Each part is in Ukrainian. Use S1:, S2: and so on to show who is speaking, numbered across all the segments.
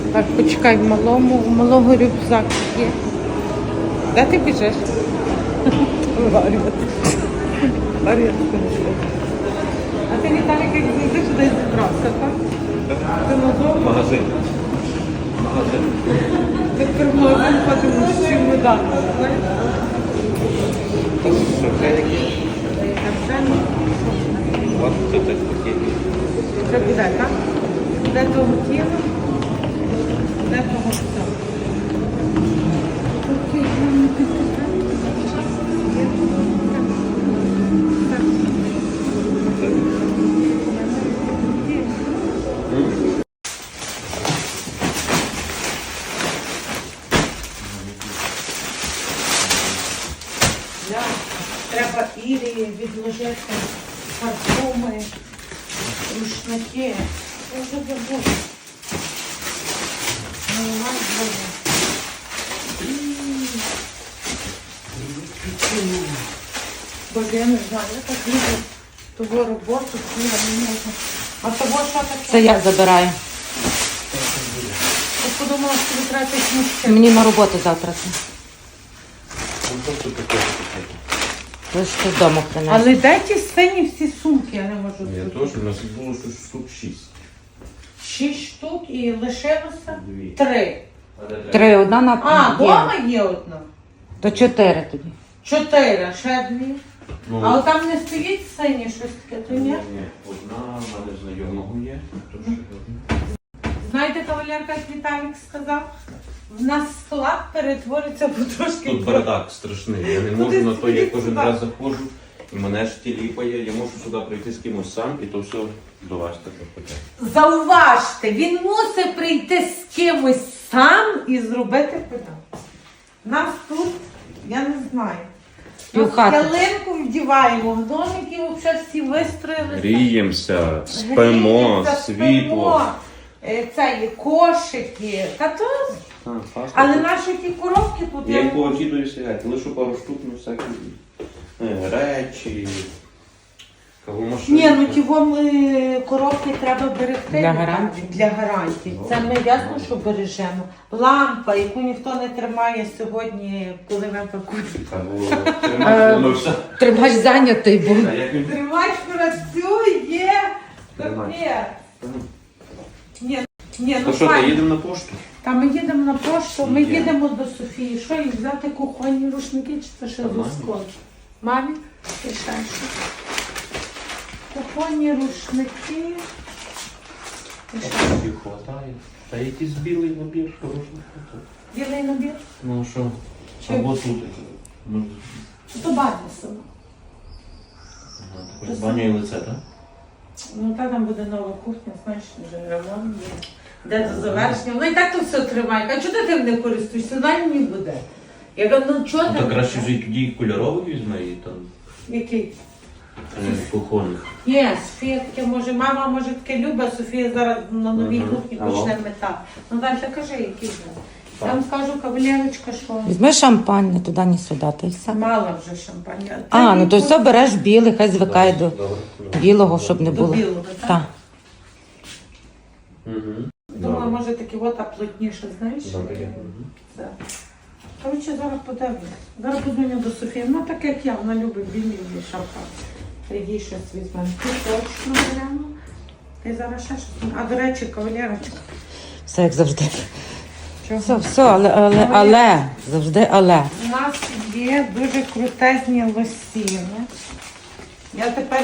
S1: Так, почекай, у малого рюкзак є. Де ти біжиш? Варіант. А ти, Віталік, як завжди сюди зібрався, так? Ти назову?
S2: Магазин.
S1: Ти тепер в магазин ходимо з чемоданом, знаєш?
S2: Ось це так таке.
S1: Вже буде, так? Де того тіла, де того все. Треба Ірі відложити парфуми, рушники. Я вже забула. Боже, я не знаю, я так люблю того роботу, що я не можу. А того що таке?
S3: Це я забираю.
S1: Я подумала, що ви треба мужчин.
S3: Мені на роботу завтра. Ви ж тут вдома принесли.
S1: Але де ті сині всі сумки, я не можу
S2: Я
S1: зрозуміти.
S2: теж, у нас було щось штук 6.
S1: 6 штук і лишилося
S2: Дві.
S1: 3.
S3: 3, одна на
S1: А,
S3: є.
S1: дома є одна.
S3: То 4 тоді.
S1: 4, ще 2.
S2: Ну,
S1: Але там не стоїть сині щось таке, то ні?
S2: ні, одна в мене знайомого є, то ще одна.
S1: Знаєте, кавалерка, як Віталік сказав? В нас склад перетвориться потрошки.
S2: Тут бардак страшний. Я не можу на то, я кожен раз заходжу, і мене ж ті ліпає. Я можу сюди прийти з кимось сам, і то все до вас таке питає.
S1: Зауважте, він мусить прийти з кимось сам і зробити педал. Нас тут, я не знаю.
S3: Півхати.
S1: Ялинку вдіваємо, в домики взагалі всі вистроїлися.
S2: Гріємося, спимо,
S1: Гріємося,
S2: світло.
S1: Це є кошики. Та то... Але наші ті коробки тут...
S2: Я їх повикидую сягати, лише пару штук, ну всякі речі, кавомашини.
S1: Ні, ну ті вам коробки треба берегти.
S3: Для гарантії?
S1: Для гарантії. Це ми ясно, що бережемо. Лампа, яку ніхто не тримає сьогодні, коли ми пакуємо.
S2: Ну все.
S3: Тримач зайнятий був.
S2: А як він?
S1: Тримач працює.
S2: Тримач.
S1: Ні, ні,
S2: То
S1: ну
S2: що,
S1: файно.
S2: ти їдемо на пошту?
S1: Та ми їдемо на пошту, ми
S2: Є.
S1: їдемо до Софії. Що їй взяти кухонні рушники чи це ще
S2: Та мамі.
S1: зустріч? Мамі? І ще що? Кухонні рушники. І ще
S2: Їх хватає. Та якийсь білий набір, хороший хватає.
S1: білий набір.
S2: Ну що?
S1: Чи-
S2: Або тут. Ну,
S1: То Барнесова.
S2: також баню і лице, так?
S1: Ну та там буде нова кухня, знаєш, вже ремонт є. Де до завершення. Ну і так то все тримає. А чого ти тим не користуєшся? Дай мені буде. Я кажу, ну чого
S2: Ну,
S1: ти?
S2: то краще вже й тоді кольоровий візьме і там
S1: Який?
S2: кухонних.
S1: Ні, Софія таке може, мама може таке любить, Софія зараз на новій
S2: Мгм.
S1: кухні
S2: Алло.
S1: почне метати. Ну далі кажи, який же. Я вам скажу, кавалерочка, що
S3: Візьми шампань, не туди, ні сюди, та й все.
S1: мала вже шампаня.
S3: А, ну то все береш білий, хай звикає до
S2: Добре.
S3: білого, щоб не
S1: До
S3: було.
S1: білого, так?
S3: Так.
S2: Угу.
S1: Думаю, може таке от, а плотніше, знаєш?
S2: Добре.
S1: Це. Коротше, зараз подивлюсь. Зараз подзвоню до Софії. Вона так, як я, вона любить білі шампан. Їй щось візьмемо. Ти точно беремо. Ти зараз ще щось. А, до речі, кавалерочка.
S3: Все як завжди.
S1: Чого?
S3: Все, але, завжди але.
S1: У нас є дуже крутезні лосіни. Я тепер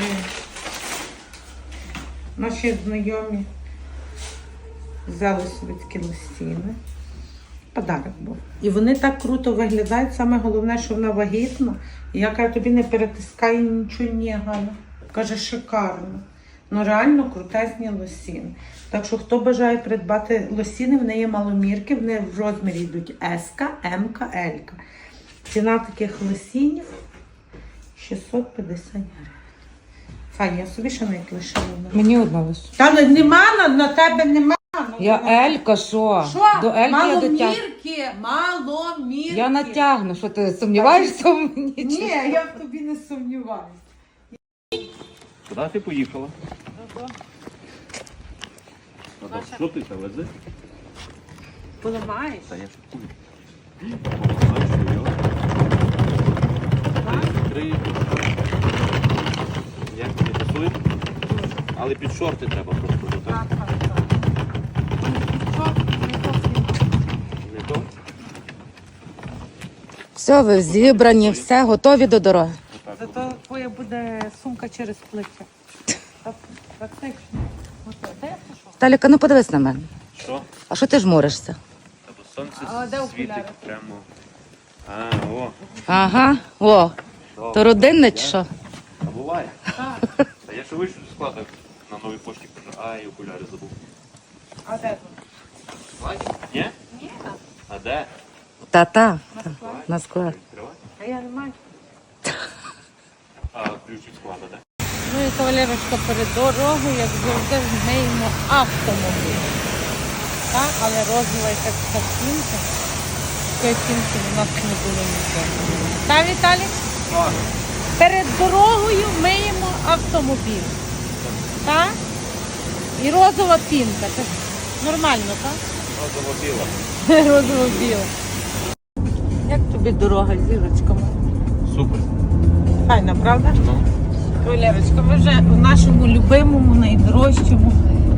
S1: наші знайомі взяли собі такі лосіни. Подарок був. І вони так круто виглядають. Саме головне, що вона вагітна. І я кажу, тобі не перетискає нічого, ні, Галя. Каже, шикарно. Ну реально крутезні лосіни. Так що, хто бажає придбати лосіни, в неї є маломірки, вони в розмірі йдуть S, М, L. Ціна таких лосінів 650 гривень. Фані, я собі ще навіть лишила.
S3: Мені одна лише.
S1: Та ну, нема, на тебе нема.
S3: Я Елька, що?
S1: Що?
S3: До Ельки я дотягну.
S1: Маломірки, маломірки.
S3: Я натягну, що ти сумніваєшся в мені?
S1: Ні, я в тобі не сумніваюся.
S2: Куди ти поїхала? Що ти це вези?
S1: Поламаєш?
S2: Та я шукую. Бачу, йо. Три. Як тобі пасує? Але під шорти треба просто, так?
S1: Так. Що?
S2: Не то?
S3: Все, ви зібрані, все, готові до дороги.
S2: Отак.
S1: Зато твоя буде сумка через плече. Практично. Де я пішов?
S3: Таліка, ну подивись на мене.
S2: Що?
S3: А що ти жмуришся?
S2: Та бо сонце
S1: А де
S2: світить
S1: окуляри?
S2: прямо. О.
S3: Ага, о,
S2: Добре.
S3: то родинне чи що?
S2: А буває.
S1: Так.
S2: Та я ще вийшов зі складу на новій пошті, кажу, ай, окуляри забув.
S1: А де тут?
S2: Ні? Ні. А де?
S3: Та-та, на склад.
S2: Відкривай.
S1: А я не маю.
S2: А ключ від складу, де?
S1: Ну і кавалерочка перед дорогою, як завжди, змиємо автомобіль. Так, але розова якась картинка. Такої картинки у нас не було нічого. Так, Віталій?
S2: Так.
S1: Перед дорогою миємо автомобіль. Так? І розова пінка. Це нормально, так?
S2: Розова біла.
S1: Розова біла. Як тобі дорога з зірочками?
S2: Супер.
S1: Файна, правда?
S2: Ну.
S1: Валерочка, ми вже у нашому любимому, найдорожчому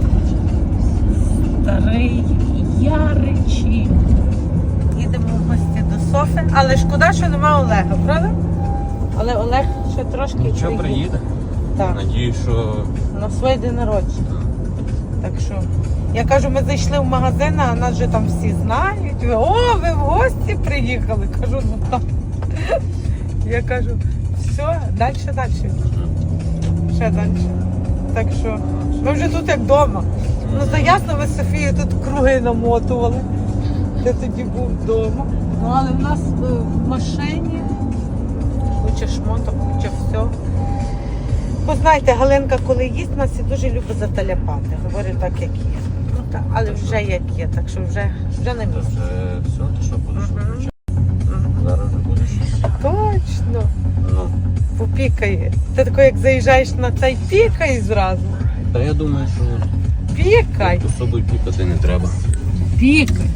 S1: Старий Яричі. Їдемо в гості до Софи, але шкода, що нема Олега, правда? Але Олег ще трошки
S2: Що приїде?
S1: Так,
S2: Надію, що
S1: на своє день народження. Так що, я кажу, ми зайшли в магазин, а нас вже там всі знають. О, ви в гості приїхали. Кажу, ну так. Я кажу, все, далі. Ще далі. Так що, ми вже тут як вдома. Ну, то ясно, ви з Софією тут круги намотували. Ти тоді був вдома. Ну, але в нас в машині куча шмоток, куча всього. Бо знаєте, Галинка, коли їсть, нас і дуже любить заталяпати. Говорю так, як є. Ну так, але вже як є, так що вже не
S2: це
S1: місце.
S2: вже все, ти що будеш
S1: Мгм.
S2: включати? Зараз вже будеш.
S1: Точно.
S2: Ну.
S1: Попікає. Ти тако, як заїжджаєш на цей, пікай зразу.
S2: Та я думаю, що
S1: Пікай.
S2: тут особою пікати не треба.
S1: Пікай.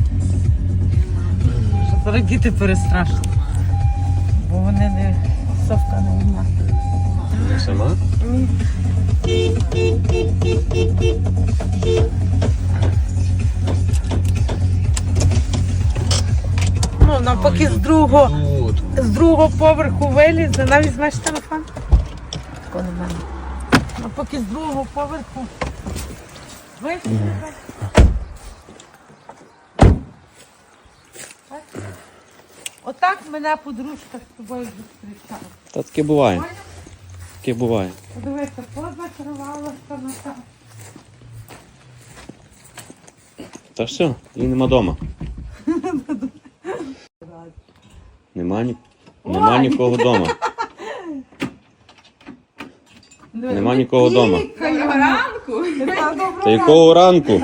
S1: Зараз діти перестрашні. Бо вони не совка не одна.
S2: Ти сама?
S1: Ні. Ну, навпаки, з другого поверху вилізе. Навіть знаєш телефон? Такого немає. Навпаки, з другого поверху вилізе. Отак мене подружка з тобою зустрічала.
S2: Та таке буває. Таке буває.
S1: Подивися, позакривалася на так.
S2: Та все, її нема вдома. Нема нікого вдома. Нема нікого вдома.
S4: Доброго ранку!
S2: Та якого ранку?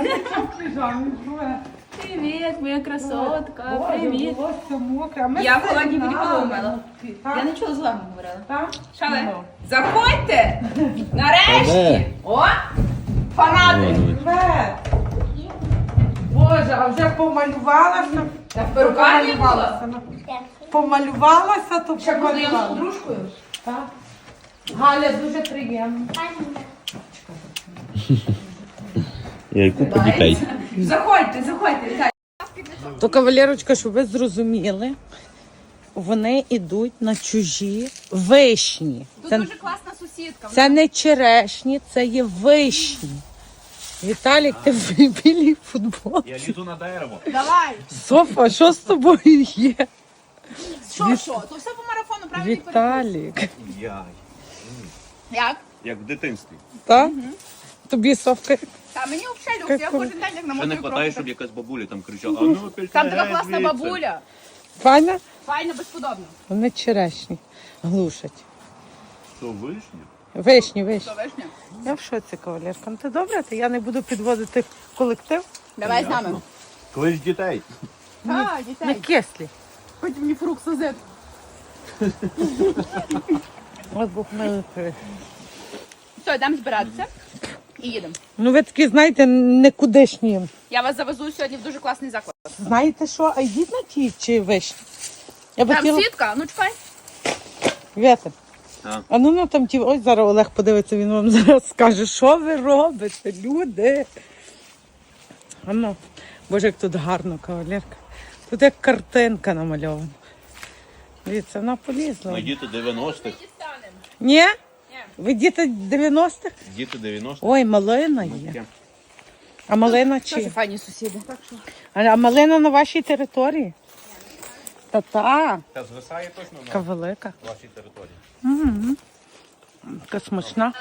S4: Привіт, моя красотка, привіт.
S1: Волосся мокре.
S4: Я в холодній воді голову мила. Я нічого злого не говорила.
S1: Так?
S4: Що ви?
S1: Ну.
S4: Заходьте!
S2: Та де?
S4: Нарешті! О! Фанати!
S1: Привет! Боже, а вже помалювалася?
S4: Та в перукарні була?
S1: Помалювалася, то
S4: Ще буду я з
S1: помалювалася.
S4: подружкою.
S1: Так. Галя, дуже приємно.
S2: Я й купу дітей.
S4: Заходьте, вітаю.
S1: То, кавалерочка, щоб ви зрозуміли, вони йдуть на чужі вишні.
S4: Тут
S1: Це,
S4: дуже класна сусідка.
S1: це не черешні, це є вишні. Віталік, ти в білій футболці.
S2: Я лізу на дерево.
S4: Давай!
S1: Софа, що з тобою є?
S4: Що? То все по марафону, правильно?
S1: Віталік.
S4: Як?
S2: Як в дитинстві.
S1: Так? Тобі, Софка,
S4: Та мені взагалі люкс, я кожен день як на
S2: Ще не
S4: мотиві
S2: вистачає, щоб якась бабуля там кричала. А ну,
S4: Там така класна бабуля.
S1: Файна?
S4: Файно, безподобно.
S1: Вони черешні. Глушать.
S2: Що, вишня?
S1: Вишні.
S4: Що, вишня?
S1: Я в шоці, кавалерка. Ну ти добре, то я не буду підводити колектив.
S4: Давай з нами.
S2: Клич дітей.
S4: Так,
S1: Не
S4: дітей.
S1: кислі.
S4: Хоч мені фрукт созит.
S1: От Бог милий.
S4: Все, йдемо збиратися. і їдемо.
S1: Ну ви такі, знаєте, никудишні.
S4: Я вас завезу сьогодні в дуже класний заклад.
S1: Знаєте що, а йдіть на ті чи вишні? Я би
S4: Там
S1: хотіла...
S4: сітка, ну чекай.
S1: Вітер.
S2: А.
S1: Ну там ті, ось зараз Олег подивиться, він вам зараз скаже, що ви робите, люди. Ну, боже, як тут гарно, кавалерка. Тут як картинка намальована. Дивіться, вона полізла.
S2: Ну, діти 90-х.
S1: Ні? Ви діти 90-х?
S2: Діти 90-х.
S1: Ой, малина є. А малина
S4: Дуже
S1: чи?
S4: файні сусіди. Так що.
S1: А малина на вашій території? Та-та,
S2: Та звисає точно
S1: така велика.
S2: вашій території.
S1: Така смачна.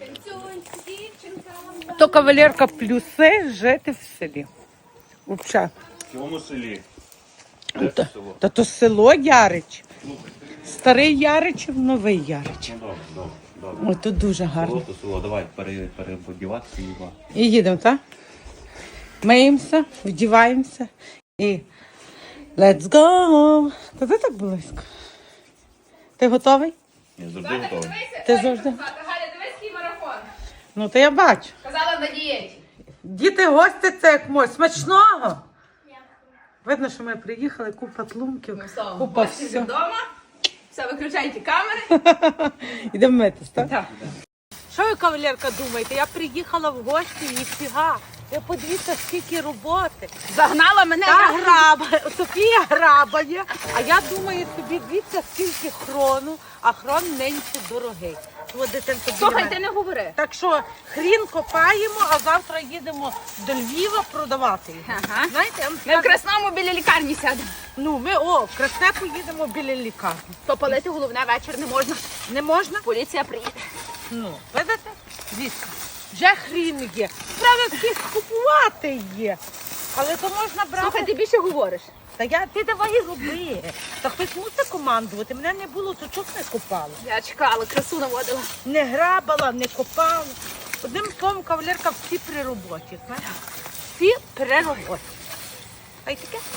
S1: То кавалерка плюси жити в селі. Взагалі.
S2: В цьому селі.
S1: Та то село Ярич. Старий Яричів, новий Ярич.
S2: Ну, добре.
S1: Ой, тут дуже гарно.
S2: Село то село. Давай перебодіватися і два.
S1: І їдемо, так? Миємося, вдіваємося і let's go! Та ти так близько. Ти готовий?
S2: Я завжди готовий.
S1: Ти завжди?
S4: Галя, дивись, який марафон.
S1: Ну, то я бачу.
S4: Казала на дієті.
S1: Діти гості це як мой. Смачного! Видно, що ми приїхали, купа тлумків, купа все.
S4: Вдома. Все, виключайте камери.
S1: Йдемо митись, так?
S4: Так.
S1: Що ви, кавалерка, думаєте? Я приїхала в гості, ніфіга. Ви подивіться, скільки роботи.
S4: Загнала мене.
S1: Та граба, Софія грабає, а я думаю собі, дивіться, скільки хрону, а хрон нинці дорогий. От, дитинко, біля
S4: Слухай,
S1: мене.
S4: ти не говори.
S1: Так що хрін копаємо, а завтра їдемо до Львова продавати його.
S4: Ага.
S1: Знаєте, я вам
S4: Ми в
S1: скажу,
S4: Красному біля лікарні сядемо.
S1: ну ми в Красне поїдемо біля лікарні.
S4: То палити головне вечір не можна.
S1: Не можна?
S4: Поліція приїде.
S1: Ну, видите? Звісно. Вже хрін є. Треба всіх купувати є. Але то можна брати.
S4: Слухай, ти більше говориш.
S1: Ти давай роби. Та хтось мусить командувати. Мене не було, то чого не копала?
S4: Я чекала, красу наводила.
S1: Не грабала, не копала. Одним словом, кавалерка, всі при роботі. Знаєш? Всі при роботі. А й таке?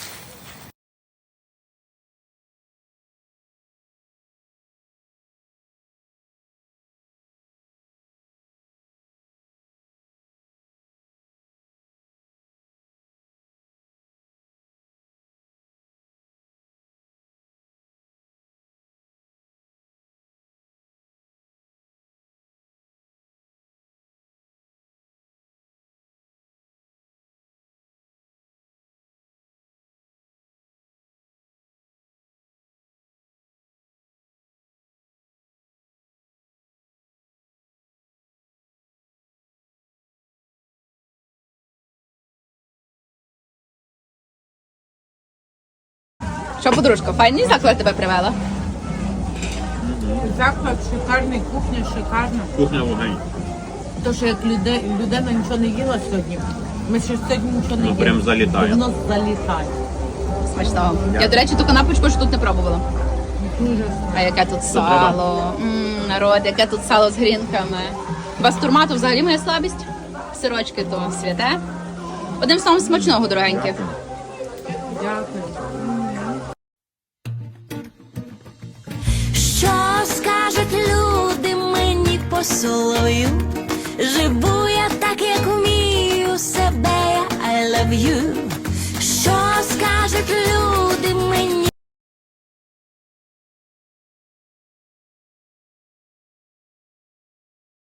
S4: Що, подружка, файний заклад тебе привела?
S1: Заклад шикарний, кухня шикарна.
S2: Кухня вогонь.
S1: То, що як людина нічого не їла сьогодні, ми ще сьогодні нічого не
S2: Ну,
S1: їли.
S2: прям залітає.
S1: Воно залітає.
S4: Смачного. Я, до речі, ту канапочку ж тут не пробувала.
S1: Дуже.
S4: А яке тут сало. Народ, яке тут сало з грінками. Бастурмату взагалі моя слабість. Сирочки то святе. Одним словом, смачного, дорогенькі.
S1: Дякую.
S5: Що скажуть люди мені по солов'ю?